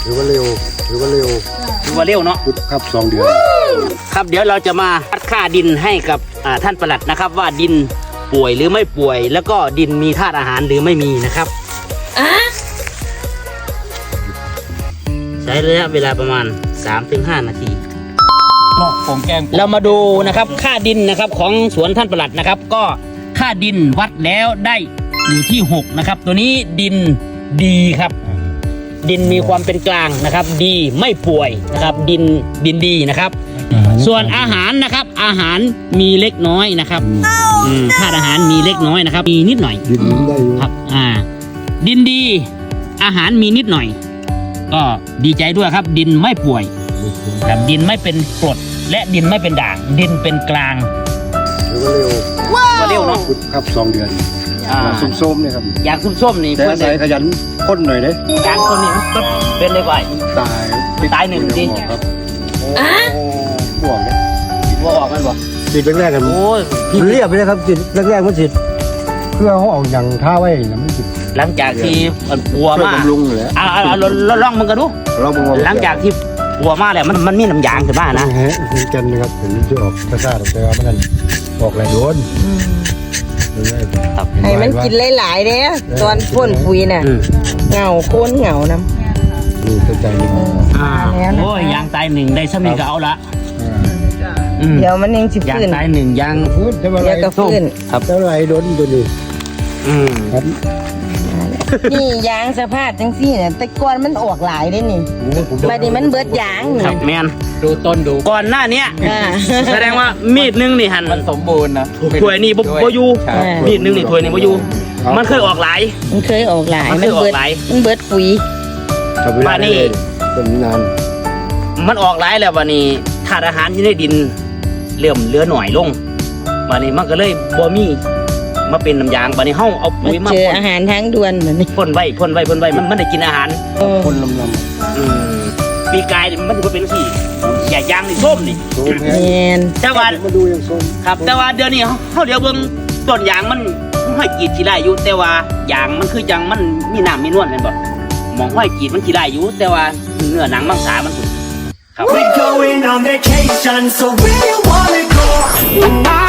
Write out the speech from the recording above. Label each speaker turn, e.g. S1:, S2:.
S1: ถือว่าเร็วถือว่าเร็ว
S2: เนาะ
S1: ครับ2 เดือน
S2: ครับเดี๋ยวเราจะมาวัดค่าดินให้กับท่านปลัดนะครับว่าดินป่วยหรือไม่ป่วย แล้วก็ดินมีธาตุอาหารหรือไม่มีนะครับใช้ระยะเวลาประมาณ 3-5 นาทีเรามาดูนะครับค่าดินนะครับของสวนท่านปลัดนะครับก็ค่าดินวัดแล้วได้อยู่ที่6นะครับตัวนี้ดินดีครับดินมีความเป็นกลางนะครับดีไม่ป่วยนะครับดินดีนะครับส่วนอาหารนะครับอาหารมีเล็กน้อยนะครับธาตุอาหารมีเล็กน้อยนะครับมีนิดหน่อย
S1: ดินได้
S2: ครับดินดีอาหารมีนิดหน่อยก็ดีใจด้วยครับดินไม่ป่วยแบบดินไม่เป็นกรดและดินไม่เป็นด่างดินเป็นกลาง
S1: ถือว่าเร็ว
S2: เร็วเนาะ
S1: ครับ2 เดือนส้มๆเนี่ยครับ
S2: อย่างส้มๆนี่
S1: แต่ใส่ขยันพ่นหน่อยเด้
S2: กลางต้นนี้ต้นเป็นเลยก่อนตาย1ดิ
S1: ครับห่วงเนี่ย
S2: ว่าออกมันบ่
S1: ติดแรกๆกันโอ้ยเรียบไปเลยครับติดแรกๆมันติดเพื่อเขาออกอย่างท่าไว้นะมันติด
S2: หลังจากที่ปัวมา
S1: ลุงเลย
S2: ลองมันกันดูหลังจากที่ปัวมาแล้วมันมีน้ำยางขึ้นมานะ
S1: กันนะครับผมจะออกซ่าๆแต่ว่ามันออกหลายโดน
S3: ให้มันกินหลายๆเด้ตอนพ่นปุ๋ยน่ะเหงาโค่นเหงาน้ำ
S1: นี่เข้าใจเลย
S2: โอ้ยยางตาย1ได้ซ้ำนี่ก็เอาละ
S3: เดี๋ยวมันยัง
S2: ยางตาย1ยาง
S1: ฟื้นจะมาอะไร
S3: ฟื้น
S1: ครับเท่าไรโดนตัวนี้ครับ
S3: นี่ยางสภาพจังซี่เนี่ยแต่ก่อนมันออกหลายได้นี่บัดนี้มันเบิดยาง
S2: ครับแมน
S4: ดูต้นดู
S2: ก่อนหน้านี้แสดงว่ามีดนึงนี่หัน
S4: มันสมบูรณ์นะ
S2: ถ้วยนี่บ่อยู่มีดนึงนี่ถ้วยนี่บ่อยู่มันเคยออกหลาย
S3: มันเบิดปุ๋ย
S2: วันนี้
S1: เป็นนาน
S2: มันออกหลายแล้ววันนี้ธาตุอาหารที่ในดินเริ่มเหลือหน่อยลงวันนี้มันก็เลยบ่มีมาเป็นน้ำยางวันนี้เฮาเอาปุ๋ยมา
S3: เจออาหารทั้งด่วนเหมือนนี้
S2: พ่นไว้มันได้กินอาหาร
S1: พ่นลำ
S2: ปีกายมันถือว่าเป็นที่อย่ายางนี่ส้มนี่แต่ว่า
S1: มาดูอย่างส้ม
S2: ครับแต่ว่าเดี๋ยวนี้เฮาเดี๋ยวเบิ่งต้นยางมันห้อยกีดที่ได้อยู่แต่ว่ายางมันคือจังมันมีน้ำมีนวลแม่นบ่มองห้อยกีดมันที่ได้อยู่แต่ว่าเนื้อหนังมังสามันครับ
S5: We're going on vacation so where you wanna go